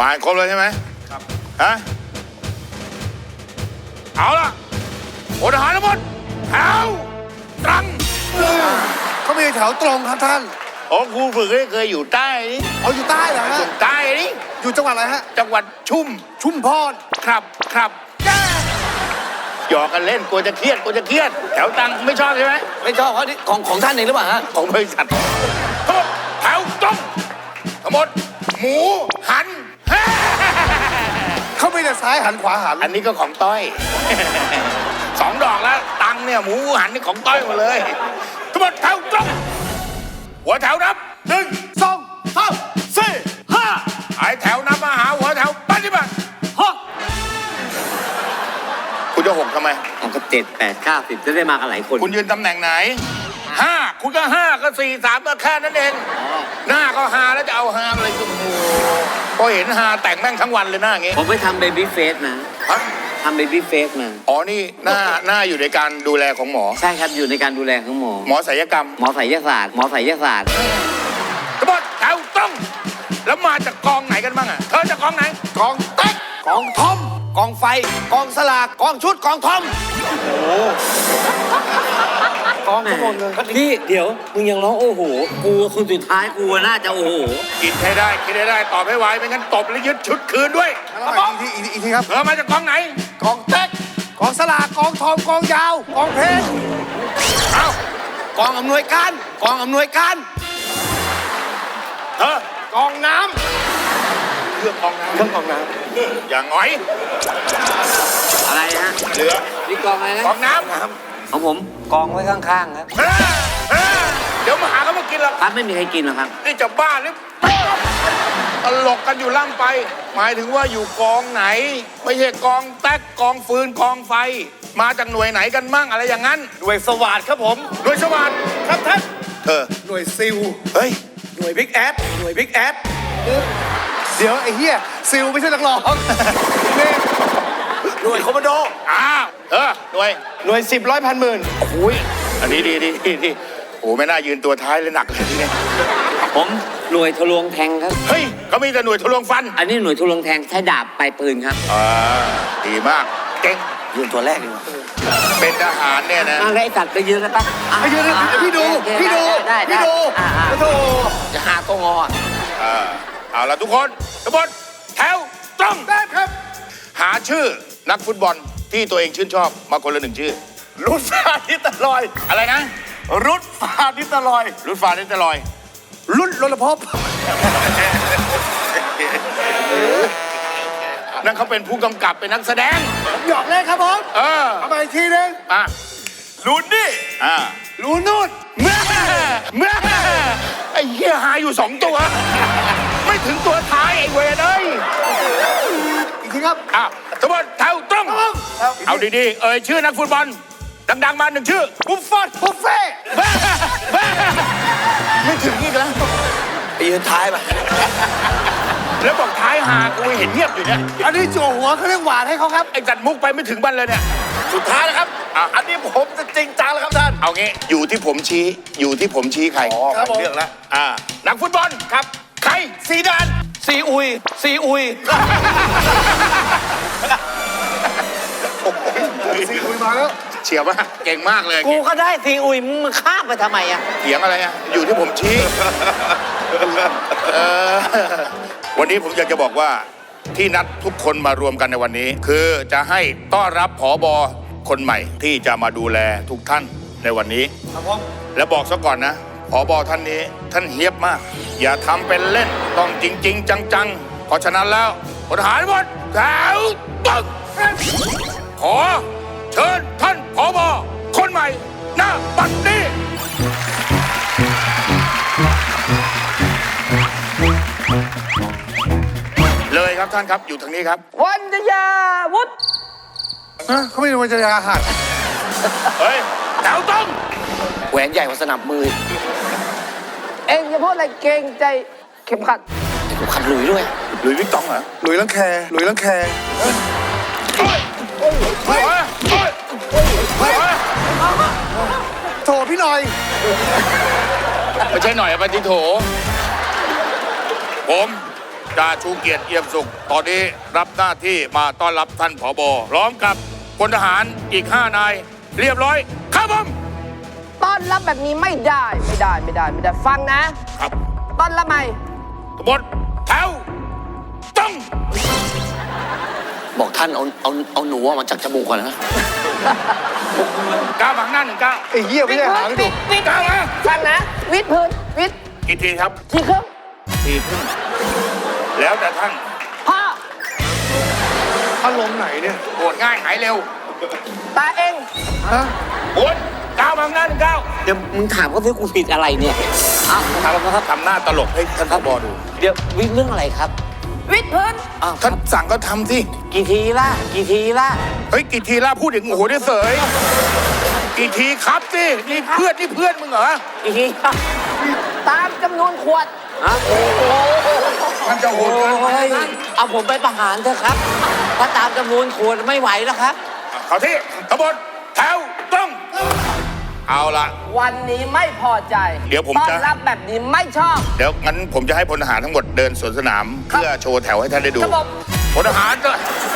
ผ่านครบเลยใช่ไหมครับฮะเอาล่ะพลทหารทั้งหมดแถวตรังเขามีแถวตรงครับท่านโอ้ครูฝึกเคยอยู่ใต้นี่เอาอยู่ใต้เหรอฮะอยู่ใต้นี่อยู่จังหวัดอะไรฮะจังหวัดชุมพรครับหยอกกันเล่นกลัวจะเครียดแถวตังไม่ชอบใช่ไหมไม่ชอบเพราะนี่ของท่านเองหรือเปล่าฮะของบริษัททั้งหมดแถวตรงทั้งหมดหมูหันเขาไม่ได้ซ้ายหันขวาหันอันนี้ก็ของต้อย 2 ดอกแล้วตังเนี่ยหมูหันนี่ของต้อยหมดเลยทั้งหมดแถวตรงหัวแถวนับ1 2 3 4 5ไอแถวนับมาหาหัวแถวปฏิบัติคุณจะ6ทำไมเอาก็7 8 9 10จะได้มากันหลายคนคุณยืนตำแหน่งไหน5คุณก็5ก็4 3ก็แค่นั้นเองหน้าก็5แล้วจะเอา5อะไรก็โอ้โหพอเห็น5แต่งแม่งทั้งวันเลยหน้าอย่างงี้ผมไปทำเบบี้เฟสมาฮะทำเบบี้เฟสมาอ๋อนี่หน้าอยู่ในการดูแลของหมอใช่ครับอยู่ในการดูแลของหมอหมอศัลยกรรมหมอไสยศาสตร์หมอไสยศาสตร์ทั้งหมดแถวตรงแล้วมาจากกองไหนกันบ้างอ่ะเธอจากกองไหนกองเต็กกองทอมกองไฟกองสลากกองชุดกองทอมกองทั้งหมดเลยพี่เดี๋ยวมึงยังร้องโอ้โหกูคนสุดท้ายกูน่าจะโอ้โหคิดให้ได้ตอบให้ไวไม่งั้นตบแล้วยึดชุดคืนด้วยอีกทีครับเธอมาจากกองไหนกองเต็กกองสลากกองทอมกองยาวกองเพชรเอ้ากองอำนวยการกองอำนวยการเธอกองน้เครื่องกองน้ำำเครื่องกองน้อย่างหงอยอะไรฮะเหลือนี่กองอะไรนะกองน้ำของผมกองไว้ข้างๆครับเดี๋ยวมาหาเขามากินหรอกครับไม่มีใครกินหรอกครับนี่จะบ้าหรือตลกกันอยู่ล่ำไป หมายถึงว่าอยู่กองไหน ไม่ใช่กองแต๊กกองฟืนกองไฟ มาจากหน่วยไหนกันมั่งอะไรอย่างนั้นำหน่วยสวัสดครับผมหน่วยสวัสดครับท่านเธอหน่วยซิลเฮ้ยหน่วยบิ๊กแอดหน่วยบิ๊กแอดเดี๋ยวไอ้เหี้ยซิลไม่ใช่นักร้องนี่หน่วยคอมมานโดอ้าวหน่วยหน่วย10 100 พันหมื่นโอ้ยอันนี้ดีโอ้ไม่น่ายืนตัวท้ายเลยหนักเลยทีนี้ผมหน่วยทะลวงแทงครับเฮ้ยเขามีแต่หน่วยทะลวงฟันอันนี้หน่วยทะลวงแทงใช้ดาบปลายปืนครับดีมากเก่งยืนตัวแรกดีกว่าเป็นทหารเนี่ยนะเอาได้สัตว์ไปยืนกันปะไอ้เดี๋ยวพี่ดู พี่ดูได้พี่ดูอ่าโอ้โหจะหาตัวงอเอาละทุกคนทุกคนแถวตรงได้ครับหาชื่อนักฟุตบอลที่ตัวเองชื่นชอบมาคนละ1 ชื่อรุดฟาดิตลอยอะไรนะรุดฟาดิตลอยรุดฟ้านิตลอยรุดรลภพนั่นเขาเป็นผู้กำกับเป็นนักแสดงหยอกเล่นครับผม เอาไปอีกทีนึงอ่ะรุดนี่อ่ะรุดนู่นเมื่อไอ้เหี้ยหาอยู่2 ตัว ไม่ถึงตัวท้ายไอ้เวรเอ้ยอีกทีครับอ่ะทุกคนแถวตรงเอาดีๆชื่อนักฟุตบอลดังๆมา1 ชื่อบุฟฟอนบุฟเฟ่ไม่ถึงอีกแล้วไปยืนท้ายป่ะแล้วบอกท้ายหากูเห็นเงียบอยู่เนี่ยอันนี้จั่วหัวเขาเรียกหวานให้เขาครับไอ้จัดมุกไปไม่ถึงบันเลยเนี่ยสุดท้ายนะครับอันนี้ผมจะจริงจังแล้วครับท่านเอางี้อยู่ที่ผมชี้ใครครับผมเรื่องแล้วนักฟุตบอลครับ ใครซีดานซีอุยซีอุยซีอุยมาแล้วเฉียบมากเก่งมากเลยกูก็ได้ซีอุยมึงข้ามไปทำไมอะเถียงอะไรอ่ะอยู่ที่ผมชี้วันนี้ผมอยากจะบอกว่าที่นัดทุกคนมารวมกันในวันนี้ คือจะให้ต้อนรับผบคนใหม่ที่จะมาดูแลทุกท่านในวันนี้ครับผมและบอกซะก่อนนะผบท่านนี้ท่านเฮี้ยบมาก อย่าทำเป็นเล่นต้องจริง ๆ จังๆเพราะฉะนั้นแล้วพลทหารหมดแถวตรงขอเชิญท่านผบคนใหม่หน้าบัดนี้เลยครับท่านครับอยู่ทางนี้ครับวันจยาวุฒเขาไม่ได้วันจะยาหัดเฮ้ยแถวตรงแหวนใหญ่กว่าสนับมือ เองจะพูดอะไรเกรงใจเข็มขัดเข็มขัดหลุยด้วยหลุยส์วิกตองเหรอหลุยลังแคหลุยลังแคเฮ้ยเฮ้ยเฮ้ยเฮ้ยเฮ้ยโถพี่หน่อยไม่ใช่หน่อยอะปฏิโถผมจ่าชูเกียรติเอี่ยมสุข ตอนนี้รับหน้าที่มาต้อนรับท่านผบพร้อมกับพลทหารอีก 5 นาย เรียบร้อย ครับผมต้อนรับแบบนี้ไม่ได้ฟังนะครับต้อนรับใหม่กบฏแถวต้องบอกท่านเอาหนูออกมาจากจมูกก่อนนะก้าวหมังหน้า1 ก้าวไอ้เหี้ยไม่ใช่หางดุวิทก้าวมาฟังนะ วิทพื้นวิทกี่ทีครับทีครึ่งทีครึ่งแล้วแต่ท่านพ่ออารมณ์ไหนเนี่ยโกรธง่ายหายเร็วตาเองฮะบนก้าวหมังหน้า1 ก้าวเดี๋ยวมึงถามเขาสิกูผิดอะไรเนี่ยอ้าวถามแล้วครับทำหน้าตลกให้ท่านผบดูเดี๋ยววิเรื่องอะไรครับวิทพื้นอ้าวท่านสั่งก็ทำสิกี่ทีล่ะเฮ้ยกี่ทีล่ะพูดถึงโอ้โหได้เสยกี่ทีครับสินี่เพื่อนมึงเหรอกี่ทีล่ะตามจำนวนขวดฮะโอ้โหท่านจะโหดเกินไปเอาผมไปประหารเถอะครับถ้าตามจำนวนควรไม่ไหวแล้วครับเขาที่ขบวนแถวต้องเอาละวันนี้ไม่พอใจเดี๋ยวผมต้อนจะรับแบบนี้ไม่ชอบเดี๋ยวงั้นผมจะให้พลทหารทั้งหมดเดินสวนสนาม เพื่อโชว์แถวให้ท่านได้ดูครับผมพลทหารก็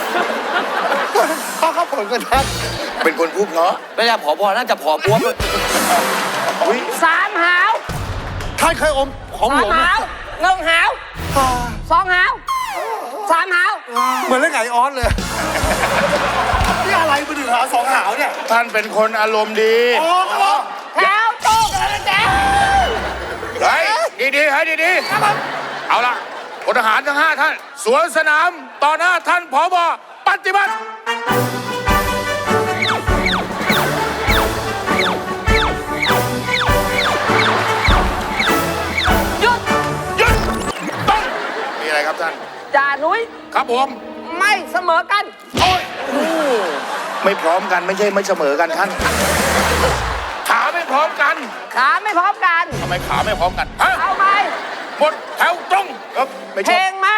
พ่อเขาผลกันทัดเป็นคนพูดเพราะไม่ใช่ผอบอน่าจะผอบ้วมสามหาวท่านเคยอมของหลสาว มงหาวหนึ่งหาวสองหาวสามหาวเหมือนเล่นไก่ออสเลย นี่อะไรมาถึงหาสองหาวเนี่ยท่านเป็นคนอารมณ์ดีอ๋อแถวตู้กันแล้วแจ๊เฮ้ยดีๆให้ดีๆเอาละพลทหารทั้ง 5 ท่านสวนสนามต่อหน้าท่านผบปฏิบัติหยุดหยุดต้องมีอะไรครับท่านจ่านุ้ยครับผมไม่เสมอกันโอ้ยไม่พร้อมกันไม่ใช่ไม่เสมอกันท่าน ขาไม่พร้อมกันขาไม่พร้อมกันทำไมขาไม่พร้อมกันฮะเอาไหมหมดแถวตรงไม่เพลใช่งมา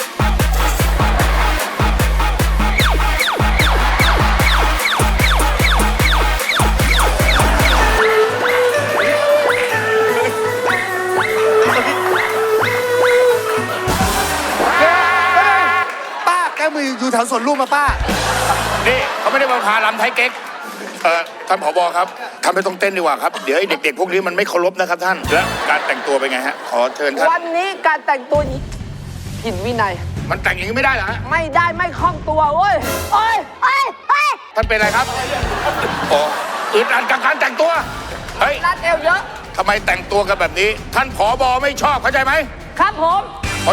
ป้าแกมืออยู่แถวสวนลุมมาป้านี่เขาไม่ได้มาพาลำไทยเก๊กท่านผบครับทำไปตรงเต้นดีกว่าครับ เดี๋ยวไอ้เด็กๆพวกนี้มันไม่เคารพนะครับท่าน และการแต่งตัวเป็นไงฮะ ขอเชิญท่านวันนี้การแต่งตัวผิดวินัยมันแต่งอย่างนี้ไม่ได้เหรอฮะไม่ได้ไม่คล่องตัวเว้ยโอ้ยเอ้ยเอ้ยท่านเป็นอะไรครับอ๋ออึดอัดกับการแต่งตัว เฮ้ยรัดเอวเยอะทำไมแต่งตัวกันแบบนี้ ท่านผบไม่ชอบเข้าใจไหมครับผมเพราะ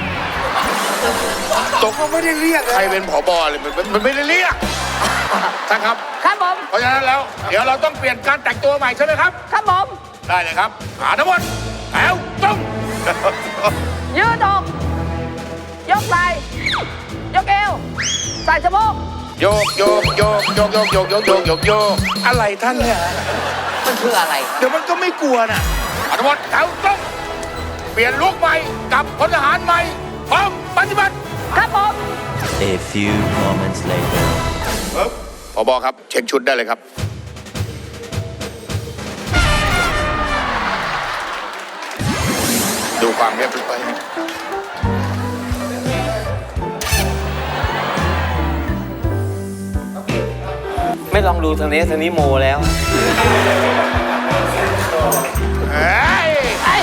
ตกเขาไม่ได้เรียกใครเป็นผบเลยมันไม่ได้เรียกท่านครับครับผมเพราะฉะนั้นแล้ว เดี๋ยวเราต้องเปลี่ยนการแต่งตัวใหม่ใช่ไหมครับครับผมได้เลยครับหาทั้งหมดแถวตรงยืดอกยกไหล่ยกเอวใส่สะโพกโยกโยกโยกโยกโยกโยกโยกโยกโยกโยกอะไรท่านเนี่ยมันคืออะไรเดี๋ยวมันก็ไม่กลัวน่ะเอาทั้งหมดแถวตรงเปลี่ยนลุคใหม่กับพลทหารใหม่พร้อมปฏิบัติครับผม A few moments later. ผบครับเช็คชุดได้เลยครับ ดูความเรียบร้อยไม่ลองดูทางนี้โมแล้วเฮ้ยไอ้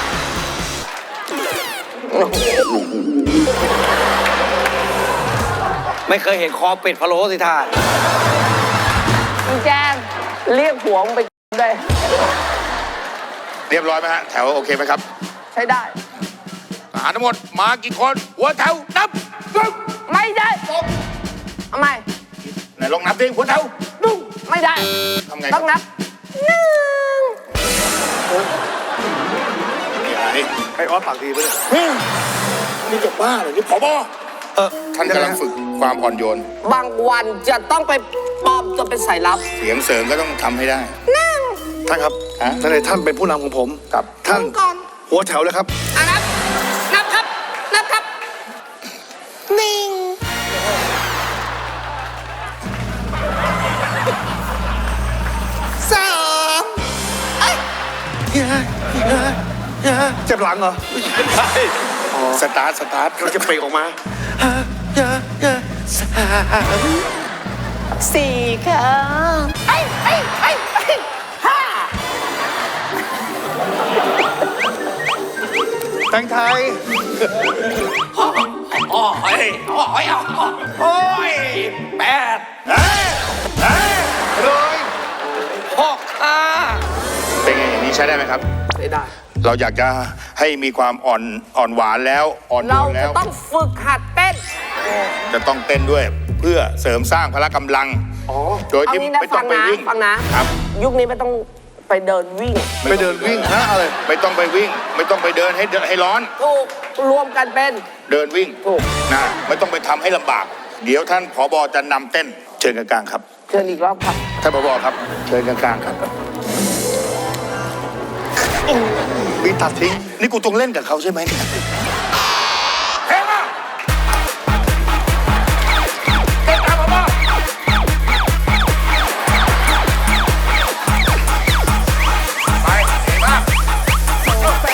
ไม่เคยเห็นคอเป็ดพะโล้สิท่ามึงแจงเรียกหัวมึงไปได้เรียบร้อยไหมฮะแถวโอเคไหมครับใช้ได้ทหารทั้งหมดมากี่คนหัวแถวนับหนึ่งไม่ได้ทำไมไหนลองนับดิหัวแถวหนึ่งไม่ได้ทำไงต้องนับหนึ่งนี่ไอ้ออสปากดีไปเลยนี่จะบ้าเหรอนี่ผบท่านกำลังฝึกความอ่อนโยนบางวันจะต้องไปปลอมตัวเป็นสายลับเสียงเสริมก็ต้องทำให้ได้ท่านครับฮะท่านในท่านเป็นผู้นำของผมครับท่านก่อนหัวแถวเลยครับอ่ะนับ นับครับ นับครับหนึ่งเจ็บหลังเหรอไม่ใช่สตาร์ทเราจะเปล่งออกมาสี่ค่ะห้าแตงไทยโอ้ยแปดเลยหกค่ะเป็นไงอย่างนี้ใช้ได้ไหมครับไม่ได้เราอยากจะให้มีความอ่อนหวานแล้วอ่อนโยเรานแล้จะวต้องฝึกหัดเต้นจะต้องเต้นด้วยเพื่อเสริมสร้างพละกำลังโดยเอาที่งี้นะไม่ต้ฟัองงไปนะวิ่งฟังนะครับยุคนี้ไม่ต้องไปเดินวิ่งไปเดินวิ่งฮะอะไรไม่ต้องไปวิ่ง ไม่ต้องไปเดินให้ร้อนถูกรวมกันเป็นเดินวิ่งถูกนะไม่ต้องไปทำให้ลำบาก เดี๋ยวท่านผบจะนำเต้นเชิญกลางๆครับเชิญอีกรอบครับท่านผบครับเชิญกลางๆครับมีตัดทิ้งนี่กูต้องเล่นกับเขาใช่ไหมเนี่ยเฮ้ยมาเต้นตามผบไปเก่งมากส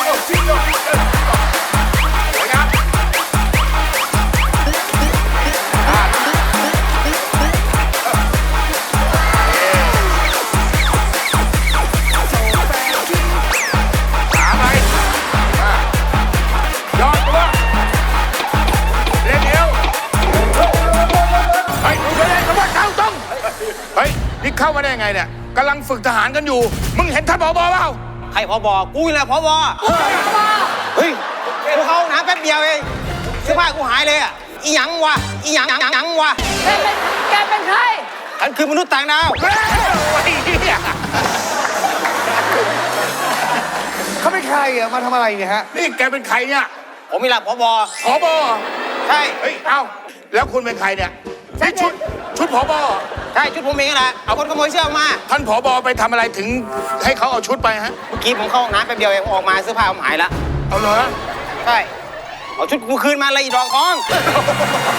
วยงามขาไปยอดตัวเล่นเอวเฮ้ยดูเลยคำว่าเท้าตรงเฮ้ย นี่เข้ามาได้ยังไงเนี่ยกำลังฝึกทหารกันอยู่ มึงเห็นท่านผบเปล่าใครพบกูนี่แหละพบเฮ้ยกูเข้าห้องน้ำแป๊บเดียวเองเสื้อผ้ากูหายเลยอ่ะอีหยังวะอีหยังวะแกเป็นใครฉันคือมนุษย์ต่างดาวเฮ้ยไอ้เหี้ยเขาเป็นใครอ่ะมาทำอะไรเนี่ยฮะนี่แกเป็นใครเนี่ยผมนี่แหละพบผบใช่เฮ้ย เอ้า แล้วคุณเป็นใครเนี่ยนี่ชุดผบใช่ชุดผมเองแหละเอาคนขโมยเสื้อออกมาท่านผบไปทำอะไรถึงให้เขาเอาชุดไปฮะเมื่อกี้ผมเข้าห้องน้ำแป๊บเดียวเองออกมาเสื้อผ้าผมหายละเอาเหรอใช่เอาชุดกูคืนมาเลยอีดอกทอง